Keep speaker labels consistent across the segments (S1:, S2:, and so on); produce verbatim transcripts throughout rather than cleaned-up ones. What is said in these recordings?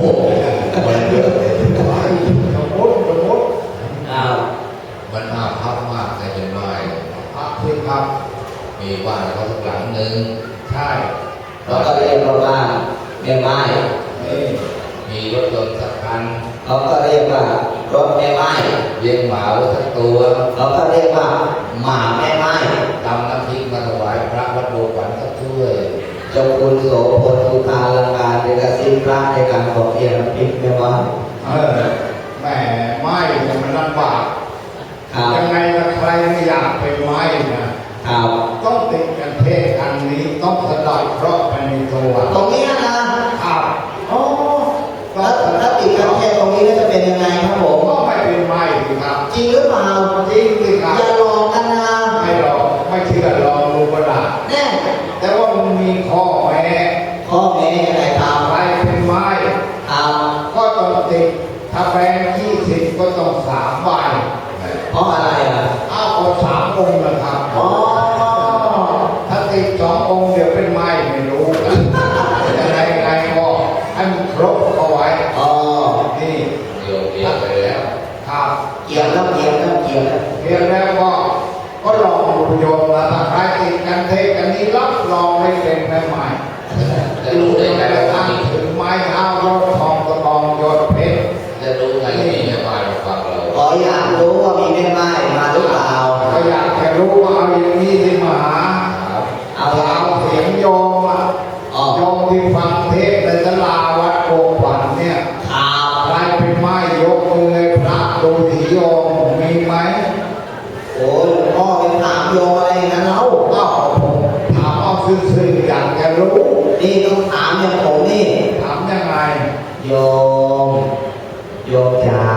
S1: มันเยอะเลยสมมติสมมติ
S2: อ้าว
S3: มันอาภัพมากแต่เป็นไม้
S1: พักที่ครับ
S3: มีบ้านเขาสักหลังหนึ่ง
S1: ใช่
S2: เราก็เรียกว่าบ้านแม่ไม้
S1: นี่
S3: มีรถยนต์สักคัน
S2: เขาก็เรียกว่ารถแม่ไม้
S3: เลี้ยงหมาไว้สักตัว
S2: เขาก็เรียกว่าหมาแม่ไม้
S3: ตำน้ำพริกมาถวายพระวัดโบขวัญสักถ้วย
S2: เจ้าคุณโสพลสุธาลังการเดกสิพระในการขอเพียรพิกแม่ไม้
S1: เออแหมไม้เนี่ยมันลำบาก
S2: ครับ
S1: ยังไงละใครไม่อยากเป็นไม้นะครับ ต้องติดกันเทศอันนี้ต้องสะดอกเคราะห์ไปในตัว
S2: ตรงนี้นะครับ
S1: โอ้ก็
S2: ถ้าถ้าติดกันแค่ตรงนี้แล้วจะเป็นยังไงครับผม
S1: ก็ไม่เป็นไม้สิครับ
S2: จริงหรือเปล่า
S1: จริงสิครับ
S2: อย่าหลอกกันนะ
S1: ไม่หรอกไม่เชื่อลองดูก็ได้
S2: แน่
S1: แต่ว่ามันมีข้อแม้
S2: ข้อแม้ยังไงครับ
S1: ใครเป็นไม้
S2: ครับ
S1: ก็ต้องติดถ้าแบงค์ยี่สิบก็ต้องสามใบ
S2: เพราะอะไรอ่ะ
S1: เอาเอาสามองค์นะครับ
S2: อ๋อ
S1: ถ้าติดสององค์เดี๋ยวเป็นไม้ไม่รู้ยังไงไงก็ให้มันครบเอาไว้
S2: อ๋อ
S1: นี่
S3: เดี๋ยวเดี๋ยวไปแล้ว
S1: ครับ
S2: เกี่ยวแล้วเกี่ยวแล้วเกี่ยวแล้ว
S1: เพียงแล้วก็ก็ลองดูโยมแล้วถ้าใครติดกันเทกันนี้รับรองไม่เป็นแม่ไม้
S3: จะรู้ได้ไง
S1: แต่
S3: ว่า
S1: ตั้ง
S3: มี
S1: ถึงไม้เท้ายอดทองกระบองยอดเพชร
S3: จะรู้ไงว่ามีแม่ไม้มาฟังเรา
S2: ขออยากรู้ว่ามีแม่ไม้มาหรือเปล่า
S1: ก็อยากจะรู้ว่าเอาอย่างนี้ที่มาหา
S3: ครับ
S2: เอา
S1: เอาเสียงโยมอ่ะ
S2: อ๋อ
S1: โยมที่ฟังเทศน์ในศาลาวัดโพขวัญเนี่ย
S2: ข่าว
S1: ใครเป็นไม้ยกมือให้พระดูที่โยมมีไหม
S2: โอ้ยหลวงพ่อเป็นถามโยมอะไรอย่างนั้นเล่า
S1: เอ้าผมถามเอาซื่อๆอยากจะรู้
S2: นี่ต้องถามอย่างผมนี่
S1: ถามยังไง
S2: โยม โยมจ๋า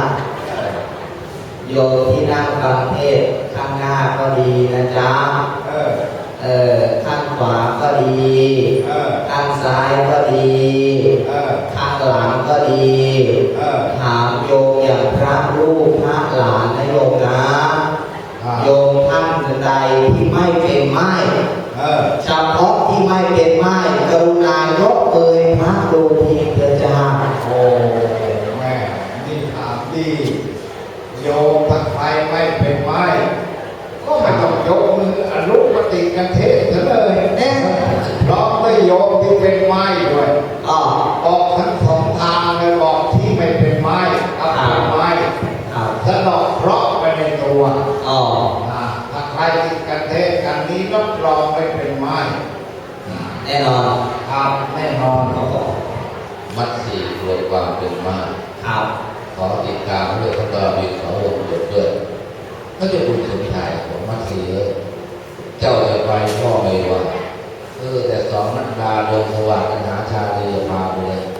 S2: โยมที่นั่งฟังเทศน์ข้างหน้าก็ดีนะจ๊ะ
S1: เออ
S2: เออข้างขวาก็ดี
S1: เออ
S2: ข้างซ้ายก็ดี
S1: เออ
S2: ข้างหลังก็ดี
S1: เออ
S2: ถามโยมอย่างพระลูกพระหลานนะโยมนะ
S1: ครับ
S2: โยมท่านใดที่ไม่เป็นไม้
S1: เออ
S2: เฉพาะที่ไม่เป็นไม้กรุณายกเอ่ยพระดูทีเถิดจ้า
S1: โอ้แม่นี่ถามดีโยมถ้าใครไม่เป็นไม้ก็ไม่ต้องยกมืออนุปฏิกันเทศน์ซะเลย
S2: แน่
S1: พร้อมด้วยโยมที่เป็นไม้ด้วย
S2: อ๋อ
S1: บอกทั้งสองทางเลยบอกที่ไม่เป็นไม้กับเป็นไม้
S2: ครับ
S1: สะดอกเคราะห์ไปในตัว
S2: อ๋อ
S1: อ่าถ้าใครติดกันเทศกันนี้รับรองไม่เป็นไม้
S2: แน่นอน
S1: ครับแน่นอน
S2: ครับผม
S3: มัดสี่รวมความเป็นไม้
S2: ครับ
S3: ขอติดตามด้วยเขาก็มีขอวงจบด้วยก็จะบุญสมชายของมัดสี่เอ้ยเจ้าจะไปพ่อไม่ว่าเออแต่สองนักดาดวงสว่างกันหาชาลีพาไปเลย